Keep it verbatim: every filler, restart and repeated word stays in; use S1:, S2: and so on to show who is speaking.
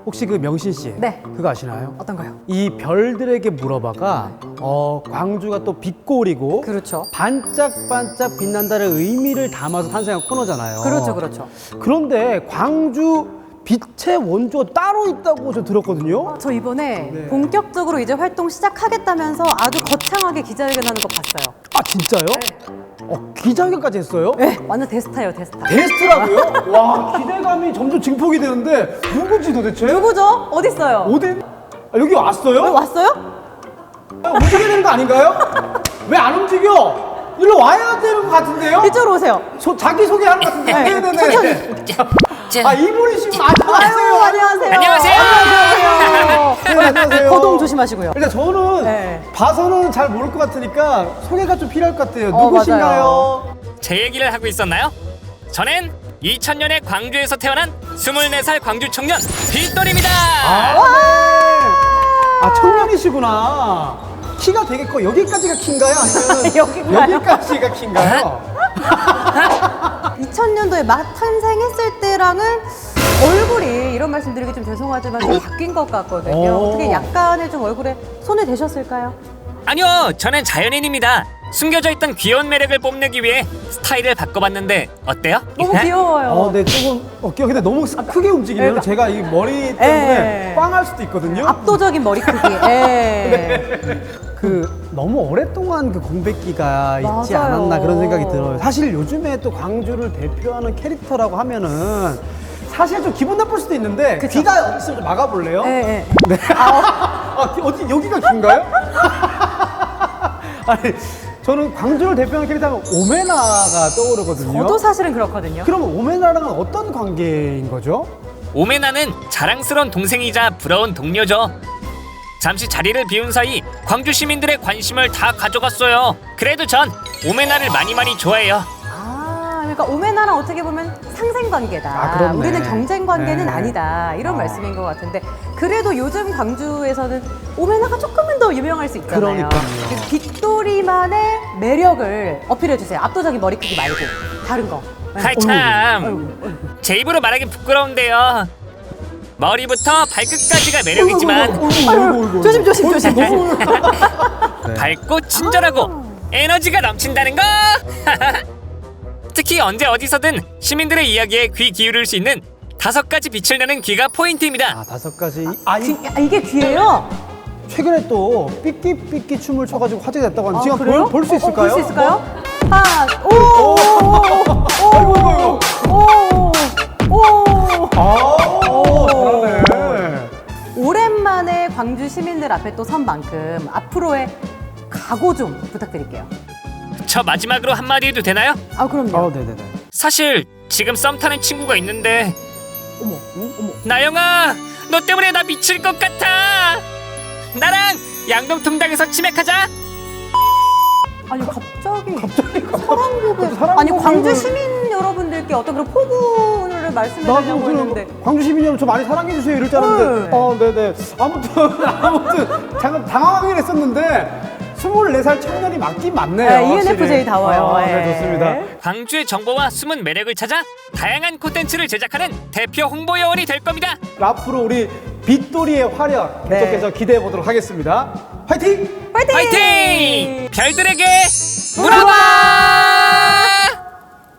S1: 혹시 그 명신 씨,
S2: 네.
S1: 그거 아시나요?
S2: 어떤가요?
S1: 이 별들에게 물어봐가 어, 광주가 또 빛골이고
S2: 그렇죠.
S1: 반짝반짝 빛난다를 의미를 담아서 탄생한 코너잖아요.
S2: 그렇죠, 그렇죠.
S1: 그런데 광주 빛의 원조가 따로 있다고 저 들었거든요.
S2: 저 이번에
S1: 네.
S2: 본격적으로 이제 활동 시작하겠다면서 아주 거창하게 기자회견하는 거 봤어요.
S1: 아 진짜요? 어, 기자회견까지 했어요?
S2: 네, 완전 대스타예요, 대스타.
S1: 게스트라고요? 와, 기대감이 점점 증폭이 되는데 누구지 도대체?
S2: 누구죠? 어디 있어요?
S1: 어디? 아, 여기 왔어요?
S2: 왜 왔어요?
S1: 아, 움직여야 되는 거 아닌가요? 왜 안 움직여? 일로 와야 되는 것 같은데요?
S2: 이쪽으로 오세요.
S1: 소, 자기 소개하는 것 같은데.
S2: 네,
S1: 네네네.
S3: 자,
S1: 아, 이분이시면 안녕하세요.
S2: 아유, 안녕하세요.
S3: 안녕하세요.
S2: 안녕하세요.
S1: 네, 안녕하세요.
S2: 거동 조심하시고요.
S1: 일단 저는
S2: 네.
S1: 봐서는 잘 모를 것 같으니까 소개가 좀 필요할 것 같아요.
S2: 어,
S1: 누구신가요?
S3: 제 얘기를 하고 있었나요? 저는 이천 년에 광주에서 태어난 스물네 살 광주 청년 빗돌입니다.
S1: 아, 네. 아, 청년이시구나. 키가 되게 커. 여기까지가 키인가요? 아니면
S2: 여기인가요?
S1: 여기까지가 키인가요?
S2: 이천 년도에 막 탄생했을 때랑은 얼굴이 이런 말씀 드리기 좀 죄송하지만 좀 바뀐 것 같거든요.
S1: 오.
S2: 어떻게 약간의 좀 얼굴에 손을 대셨을까요?
S3: 아니요, 저는 자연인입니다. 숨겨져 있던 귀여운 매력을 뽐내기 위해 스타일을 바꿔봤는데 어때요?
S2: 너무 귀여워요.
S1: 어, 네, 조금 어깨가 근데 너무 크게 움직이면
S2: 그러니까.
S1: 제가 이 머리 때문에
S2: 에.
S1: 빵할 수도 있거든요.
S2: 압도적인 머리 크기. 예.
S1: 그 너무 오랫동안 그 공백기가 있지
S2: 맞아요.
S1: 않았나 그런 생각이 들어요. 사실 요즘에 또 광주를 대표하는 캐릭터라고 하면은 사실 좀 기분 나쁠 수도 있는데
S2: 그쵸.
S1: 귀가 어디 있으면 좀 막아볼래요?
S2: 예, 예.
S1: 네. 아, 귀- 어디 여기가 긴가요? 아니, 저는 광주를 대표하는 캐릭터하면 오메나가 떠오르거든요.
S2: 저도 사실은 그렇거든요.
S1: 그럼 오메나랑은 어떤 관계인 거죠?
S3: 오메나는 자랑스러운 동생이자 부러운 동료죠. 잠시 자리를 비운 사이 광주 시민들의 관심을 다 가져갔어요. 그래도 전 오메나를 많이 많이 좋아해요.
S2: 아, 그러니까 오메나랑 어떻게 보면 상생 관계다.
S1: 아, 그렇네.
S2: 우리는 경쟁 관계는
S1: 네.
S2: 아니다. 이런
S1: 아.
S2: 말씀인 것 같은데 그래도 요즘 광주에서는 오메나가 조금은 더 유명할 수 있잖아요.
S1: 그러니까요.
S2: 그래서 빗돌이만의 매력을 어필해 주세요. 압도적인 머리 크기 말고 다른 거. 네.
S3: 아이 참, 제 입으로 말하긴 부끄러운데요. 머리부터 발끝까지가 매력이지만
S1: 어이구,
S2: 조심 조심 조심.
S1: 너무
S3: 밝고 친절하고 에너지가 넘친다는 거. 특히 언제 어디서든 시민들의 이야기에 귀 기울일 수 있는 다섯 가지 빛을 내는 귀가 포인트입니다.
S1: 아, 다섯 가지. 아, 이,
S2: 귀, 아, 이게 귀예요?
S1: 최근에 또 삐끼삐끼 춤을 춰가지고 화제가 됐다고 하는데
S2: 아,
S1: 지금
S2: 그래요?
S1: 볼 수
S2: 어, 어,
S1: 있을까요?
S2: 볼 수 있을까요? 하나, 오, 오, 오, 오, 오,
S1: 아, 잘하네.
S2: 오랜만에 광주 시민들 앞에 또 선 만큼 앞으로의 각오 좀 부탁드릴게요.
S3: 저 마지막으로 한마디 해도 되나요?
S2: 아, 그럼요.
S1: 아, 네네네.
S3: 사실 지금 썸 타는 친구가 있는데
S2: 어머, 응? 어머.
S3: 나영아, 너 때문에 나 미칠 것 같아. 나랑 양동통당에서 치맥하자.
S2: 아니 갑자기 갑자기 사랑 고백.
S1: 사랑
S2: 아니 광주
S1: 고백을-
S2: 시민 여러분들께 어떤 그런 포부를 말씀해
S1: 나도
S2: 드리려고
S1: 그럼
S2: 했는데
S1: 광주 시민 여러분 저 많이 사랑해 주세요 이럴 줄 알았는데
S2: 네.
S1: 어 네네 아무튼 아무튼 잠깐 당황하긴 했었는데 스물네 살 청년이 맞긴 맞네요.
S2: 네, 이엔에프제이 다워요.
S1: 아, 네,
S2: 네.
S1: 좋습니다.
S3: 광주의 정보와 숨은 매력을 찾아 다양한 콘텐츠를 제작하는 대표 홍보 요원이 될 겁니다.
S1: 앞으로 우리 빗돌이의 활약
S2: 네.
S1: 계속해서 기대해 보도록 하겠습니다. 화이팅!
S2: 파이팅!
S3: 화이팅! 별들에게
S2: 물어봐!